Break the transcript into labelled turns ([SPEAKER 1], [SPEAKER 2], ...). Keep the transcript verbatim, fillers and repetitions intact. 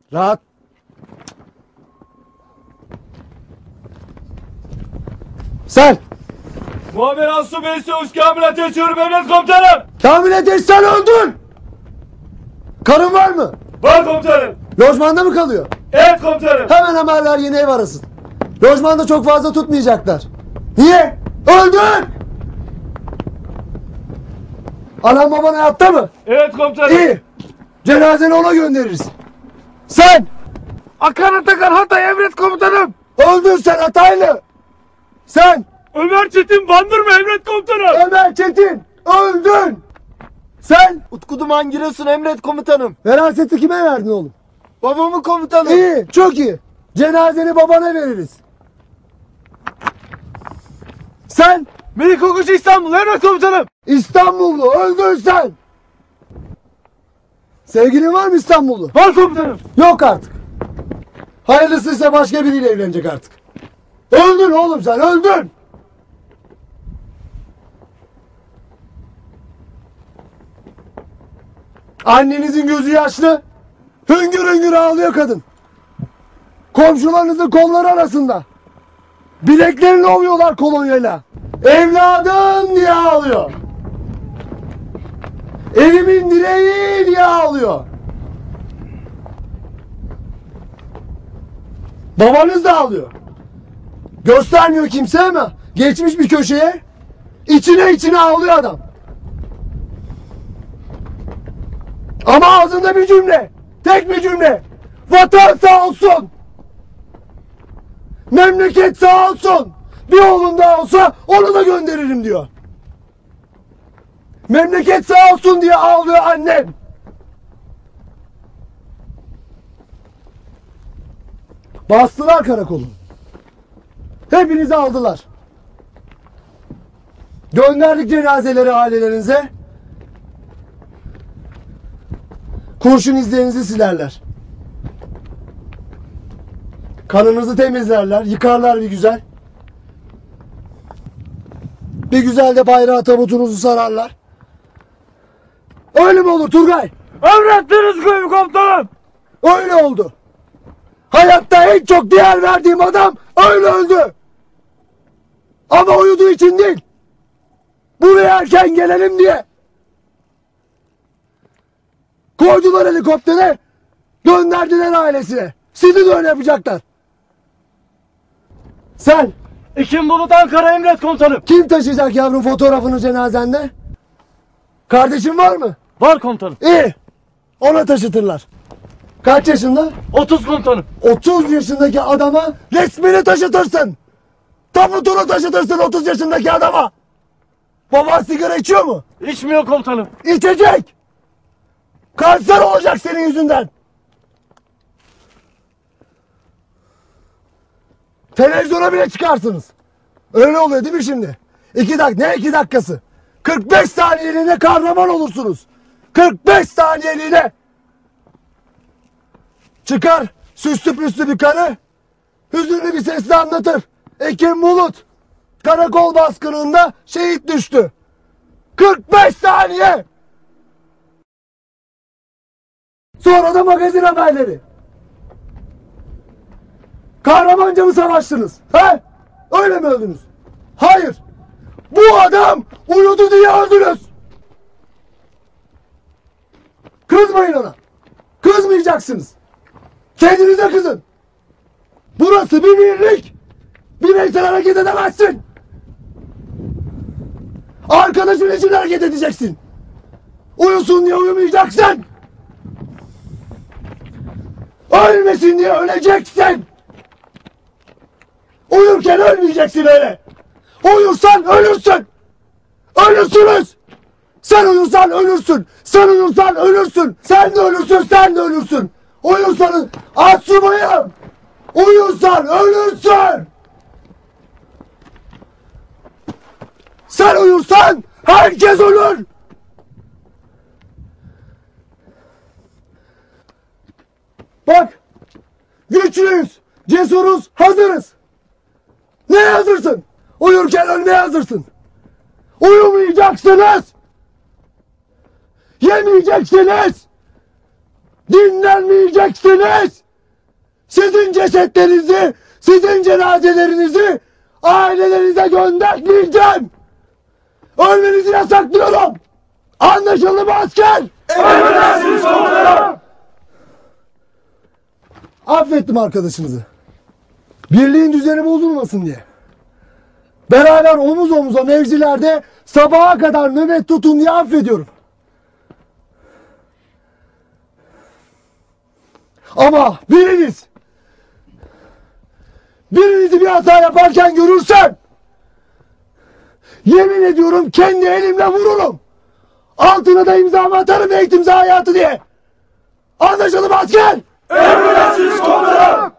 [SPEAKER 1] Rahat. Sen.
[SPEAKER 2] Muammer Asubey Söğüş Kamil Ateş Yürüm Emret Komutanım.
[SPEAKER 1] Kamil Ateş sen öldün. Karın var mı?
[SPEAKER 2] Var komutanım.
[SPEAKER 1] Lojmanda mı kalıyor?
[SPEAKER 2] Evet komutanım.
[SPEAKER 1] Hemen haberler yeni ev arasın. Lojmanda çok fazla tutmayacaklar. Niye? Öldün! Anam baban hayatta mı?
[SPEAKER 2] Evet komutanım.
[SPEAKER 1] İyi. Cenazeni ona göndeririz. Sen!
[SPEAKER 2] Akan Atakan Hatay Emret Komutanım.
[SPEAKER 1] Öldün sen Hataylı! Sen!
[SPEAKER 2] Ömer Çetin Bandırma Emret Komutanım.
[SPEAKER 1] Ömer Çetin! Öldün! Sen!
[SPEAKER 3] Utku Duman Giresun Emret Komutanım.
[SPEAKER 1] Veraseti kime verdin oğlum?
[SPEAKER 3] Babamın komutanım.
[SPEAKER 1] İyi, çok iyi. Cenazeni babana veririz. Sen!
[SPEAKER 2] Melik Okuş İstanbul Emret Komutanım.
[SPEAKER 1] İstanbullu, öldün sen! Sevgilin var mı İstanbullu?
[SPEAKER 2] Var komutanım.
[SPEAKER 1] Yok artık. Hayırlısıysa başka biriyle evlenecek artık. Öldün oğlum sen, öldün! Annenizin gözü yaşlı. Hüngür hüngür ağlıyor kadın. Komşularınızın kolları arasında. Bileklerini ovuyorlar kolonyayla. Evladım diye ağlıyor. Evimin direği diye ağlıyor. Babanız da ağlıyor. Göstermiyor kimse ama geçmiş bir köşeye içine içine ağlıyor adam. Ama ağzında bir cümle. Tek bir cümle. Vatan sağ olsun. Memleket sağ olsun. Bir oğlum daha olsa onu da gönderirim diyor. Memleket sağ olsun diye ağlıyor annem. Bastılar karakolu. Hepinizi aldılar. Gönderdik cenazeleri ailelerinize. Kurşun izlerinizi silerler. Kanınızı temizlerler, yıkarlar bir güzel. Bir güzel de bayrağı tabutunuzu sararlar. Öyle mi olur Turgay?
[SPEAKER 2] Emrettiniz gibi komutanım.
[SPEAKER 1] Öyle oldu. Hayatta en çok değer verdiğim adam öyle öldü. Ama uyuduğu için değil. Buraya erken gelelim diye. Koydular helikoptere, gönderdiler ailesine. Sizi de öyle yapacaklar. Sen,
[SPEAKER 2] Ekim Bulut Ankara Emret Komutanım.
[SPEAKER 1] kim taşıyacak yavrum fotoğrafını cenazende? Kardeşin var mı?
[SPEAKER 2] Var komutanım.
[SPEAKER 1] İyi. Ona taşıtırlar. Kaç yaşında?
[SPEAKER 2] otuz komutanım.
[SPEAKER 1] otuz yaşındaki adama resmini taşıtırsın. Tabutunu taşıtırsın otuz yaşındaki adama. Baban sigara içiyor mu?
[SPEAKER 2] İçmiyor komutanım.
[SPEAKER 1] İçecek. Kanser olacak senin yüzünden. Televizyona bile çıkarsınız. Öyle oluyor değil mi şimdi? İki dakika, ne iki dakikası? kırk beş saniyeliğine kahraman olursunuz. kırk beş saniyeliğine. Çıkar süslü püslü bir karı. Hüzünlü bir sesle anlatır. Ekim Bulut karakol baskınında şehit düştü. kırk beş saniye. Sonra da magazin haberleri. Kahramanca mı savaştınız? He? Öyle mi öldünüz? Hayır. Bu adam uyudu diye öldünüz. Kızmayın ona. Kızmayacaksınız. Kendinize kızın. Burası bir birlik. Bireysel hareket edemezsin. Arkadaşın için hareket edeceksin. Uyusun diye uyumayacaksın. Ölmesin diye öleceksin. Uyurken ölmeyeceksin öyle. Uyursan ölürsün. Ölürsünüz. Sen uyursan ölürsün. Sen uyursan ölürsün. Sen de ölürsün, sen de ölürsün. Uyursanız asubayım. Uyursan ölürsün. Sen uyursan herkes ölür. Bak, güçlüyüz, cesuruz, hazırız. Ne hazırsın? Uyurken ölmeye hazırsın. Uyumayacaksınız. Yemeyeceksiniz. dinlenmeyeceksiniz. Sizin cesetlerinizi, sizin cenazelerinizi ailelerinize göndermeyeceğim. Ölmenizi yasaklıyorum. Anlaşıldı mı asker?
[SPEAKER 2] Emredersiniz komutanım.
[SPEAKER 1] Affettim arkadaşınızı. Birliğin düzeni bozulmasın diye. Beraber omuz omuza mevzilerde sabaha kadar nöbet tutun diye affediyorum. Ama biriniz birinizi bir hata yaparken görürsem yemin ediyorum kendi elimle vururum. Altına da imzamı atarım eğitim hayatı diye. Anlaşıldı mı asker?
[SPEAKER 2] Emredersiniz komutanım.